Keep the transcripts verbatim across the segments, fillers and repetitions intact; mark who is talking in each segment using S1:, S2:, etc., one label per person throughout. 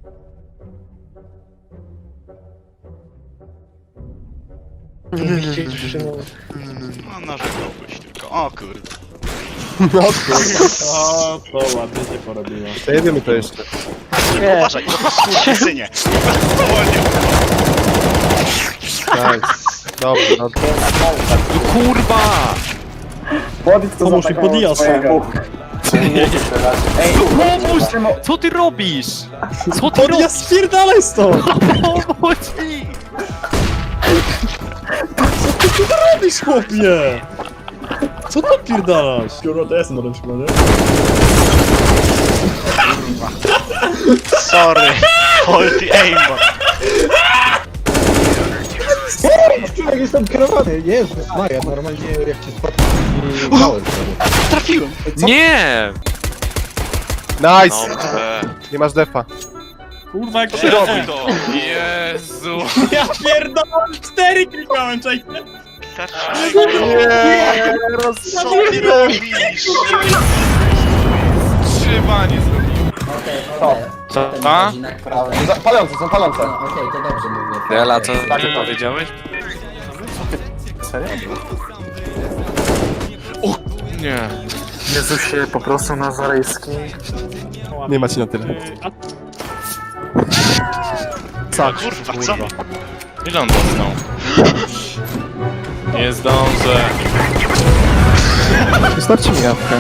S1: No narzekałbyś tylko, o kurde.
S2: No kurwa. O, to ładnie się porobiło.
S3: Jedziemy to jeszcze.
S1: Nie. Uważaj, skurczysynie. Wolnie.
S3: Nice. Dobrze, dobrze.
S4: Kurwa!
S2: Pomóż mi podijać.
S4: Pomóż! Co ty robisz? Co ty
S2: Ja
S4: robisz?
S2: spierdalaj stąd!
S4: Pomóż mi!
S2: Robisz, chłopie! Co ty pierdalasz? Kurwa, to ja jestem na tym przykładzie.
S1: Sorry. Faulty aimbot.
S5: Człowiek jestem kierowany, Jezus Maria, normalnie jak cię spadł i małem sobie.
S1: Trafiłem.
S4: Nie!
S3: Nice!
S4: Dobrze.
S3: Nie masz defa.
S2: Kurwa, jak się
S4: Czemu
S2: robi?
S4: to? Jezu!
S2: Ja pierdolę! Cztery klikałem, czekaj!
S1: Nie, co ty robisz?
S4: Trzyma nie zrobiłem. Co? A?
S5: Palące, są palące.
S6: Okej, to dobrze mówię.
S4: Dela, co ty powiedziałeś? O! Nie.
S7: Jezusie, po prostu Nazarejski.
S3: Nie macie na tyle.
S1: Co? Kurwa, co?
S4: Ile on dostał? Nie zdążę.
S3: Wystarczy mi jawkę.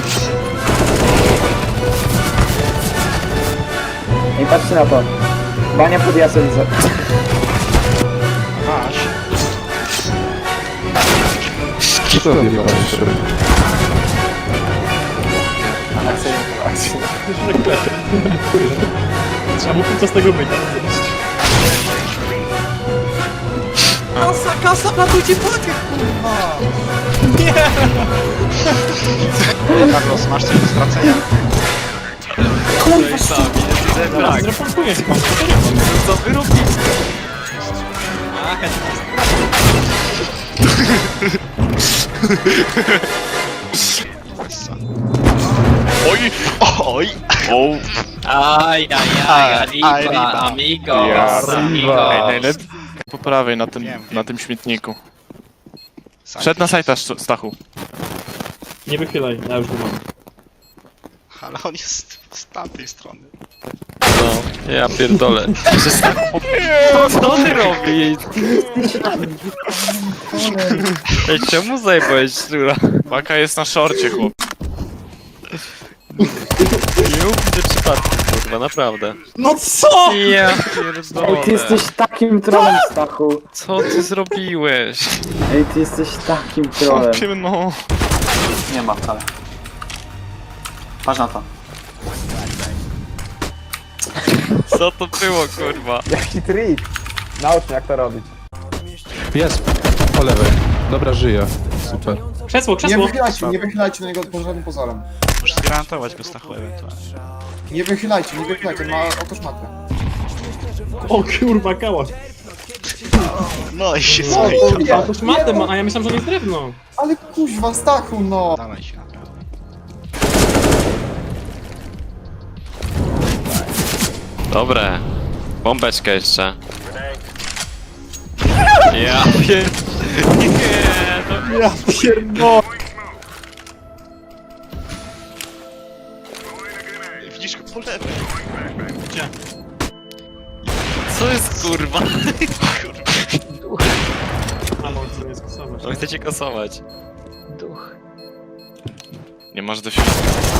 S5: I patrzcie na to. Bania pod Jasowicę.
S1: Masz.
S3: Co to robi?
S2: Trzeba mu co z tego być.
S4: Kasa, kasa, ratujcie pakę, kurwa!
S1: Carlos, masz coś do stracenia?
S4: Kurwa, sami,
S2: Teraz zreportuję pan.
S4: co wy robicie?
S1: Oj! Oj! O!
S6: Aj, aj, aj, arriba, amigo, amigo.
S4: Ej, najlepiej po prawej na tym,
S1: Wiem, wiem.
S4: na tym śmietniku. Szedł na sajta, Stachu.
S2: Nie wychylaj, ja już go mam.
S1: Ale on jest z tamtej strony.
S4: No, ja pierdolę. Że Stachu... Co ty robisz? Ej, czemu zajebałeś szczura? Baka jest na szorcie, chłop. Nie widzę przypadku, kurwa, naprawdę.
S2: No co?!
S4: Ja pierdolę.
S5: Ej, ty jesteś takim trolem, Stachu.
S4: Co ty zrobiłeś?
S5: Ej, ty jesteś takim trolem.
S4: Chłopie, no.
S7: Nie ma wcale. Patrz na to.
S4: Co to było, kurwa?
S5: Jaki trik. Naucz mnie jak to robić.
S3: Jest. Po lewej. Dobra, żyje. Super.
S2: Krzesło,
S5: Nie
S2: krzesło!
S5: wychylajcie, nie wychylajcie na niego pod żadnym pozorem.
S1: Muszę zgwarantować go Stachu ewentualnie.
S5: Nie wychylajcie, nie wychylajcie, ma oto szmatę.
S2: O kurwa, kałach!
S1: No i się
S5: No,
S1: zmyj.
S5: to
S2: A to szmatę ma, a ja myślałem, że on jest drewno.
S5: Ale kuźwa, Stachu, no.
S1: Dalej się naprawdę.
S4: Dobre. Bombeczkę jeszcze. Ja pier... Nie, to...
S2: Ja pierdolę!
S1: Widzisz go po lewej.
S2: Gdzie?
S4: Co jest, kurwa?
S2: A no, co nie skosować.
S4: To chcecie kasować. Duch. Nie masz do środka.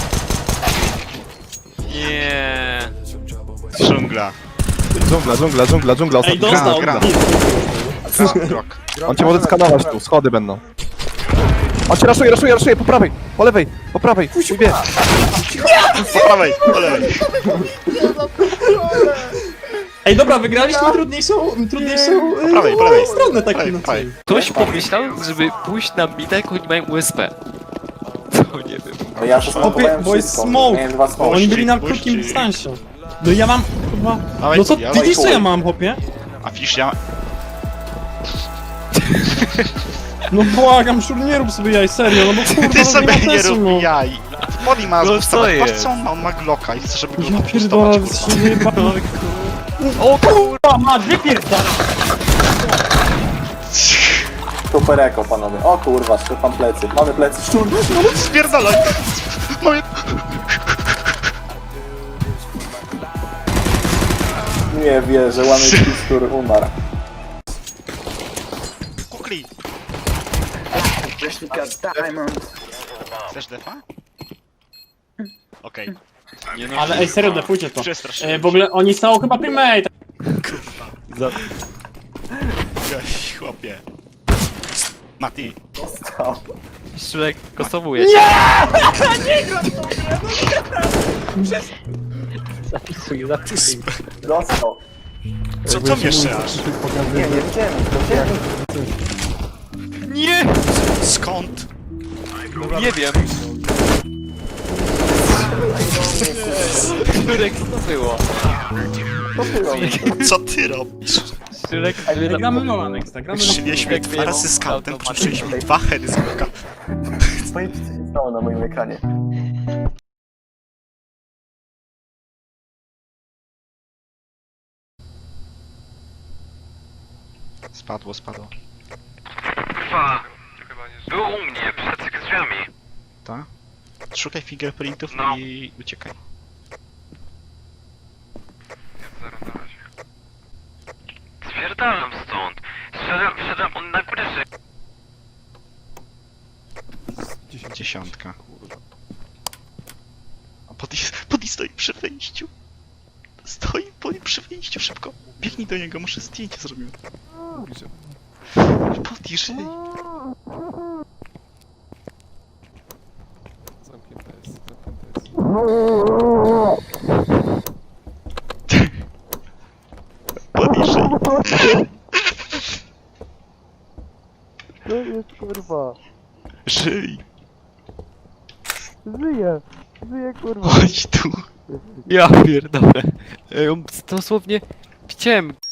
S4: Nie.
S1: Dżungla.
S3: Dżungla, dżungla, dżungla, dżungla.
S2: Ej,
S3: Ostatni
S2: dostał!
S1: gra.
S3: gra.
S1: Grok.
S3: On cię może skanować tu, schody będą. On cię raszuje, raszuje, raszuje, po prawej, po lewej, po prawej, wie.
S1: Po prawej, po lewej.
S2: Ej, dobra, wygraliśmy trudniejszą, trudniejszą
S1: Po prawej, po lewej.
S2: stronę tak
S1: Prawej,
S2: inaczej.
S1: prawej.
S4: Ktoś pomyślał, żeby pójść na bita, jak oni mają U S P. To nie wiem.
S5: No ja
S2: Chłopie, bo jest smoke! Oni byli na
S1: Puścik,
S2: krótkim
S1: puścik.
S2: dystansie. No i ja mam chyba...
S1: Dawaj,
S2: No co,
S1: dawaj,
S2: widzisz co
S1: chuj.
S2: ja mam, chłopie?
S1: A widzisz, ja...
S2: No błagam, szur, nie rób sobie jaj, serio, no bo kurwa,
S1: Ty
S2: no
S1: sobie
S2: ma
S1: nie
S2: sensu,
S1: rób
S2: no.
S1: jaj. Poli ma
S4: No co
S1: zbustować. Patrz
S4: jest?
S1: co on ma, on ma Glocka i chce, żeby go
S2: Ja
S1: zbustować,
S2: pierdolę,
S1: kurwa.
S2: się wyjebałem.
S4: O kurwa!
S5: Ma, wypierdala!
S7: Super eko, panowie. O kurwa, szczepam plecy. Mamy plecy. Szczur,
S1: Spierdalaj! Moje...
S7: nie wierzę, łamy pistur umarł.
S1: Kukli! Chcesz defa? Okej.
S4: Nie no,
S5: Ale ej, serio, defujcie to.
S1: Przestraszyłem
S5: E, w ogóle oni są chyba primate.
S4: za...
S1: się, chłopie. Mati.
S4: Szrek kosowuje cię.
S7: Dostał.
S1: Co to mieszasz?
S7: Nie, nie widziałem. Widziałem.
S4: Nie!
S1: Skąd?
S4: Nie wiem. Szrek, co to było?
S1: Co ty robisz?
S4: Szrek,
S5: Gramy Lola next, gramy Lola.
S1: Szliśmy dwa razy z scoutem, przyszliśmy dwa heady z boka.
S7: Powiedzcie, co się stało na moim ekranie.
S1: Spadło, spadło.
S8: Kurwa, był u mnie, przed drzwiami.
S1: Tak? Szukaj fingerprintów
S8: No.
S1: i uciekaj.
S8: Zero na razie. Spierdalam stąd. Szedłem, szedłem, on na górze ży...
S1: Dziesiątka, kurwa. A Poti, Poti stoi przy wejściu. Stoi Poti przy wejściu, szybko. Biegnij do niego, muszę zdjęcie zrobić. Poti, żyj.
S3: Zamknięte jest, zamknięte jest.
S1: Poti, żyj.
S3: To jest kurwa.
S1: Żyj.
S3: Żyję. Żyję kurwa.
S1: Chodź tu.
S4: Ja pierdolę. Ej, on dosłownie... Widziałem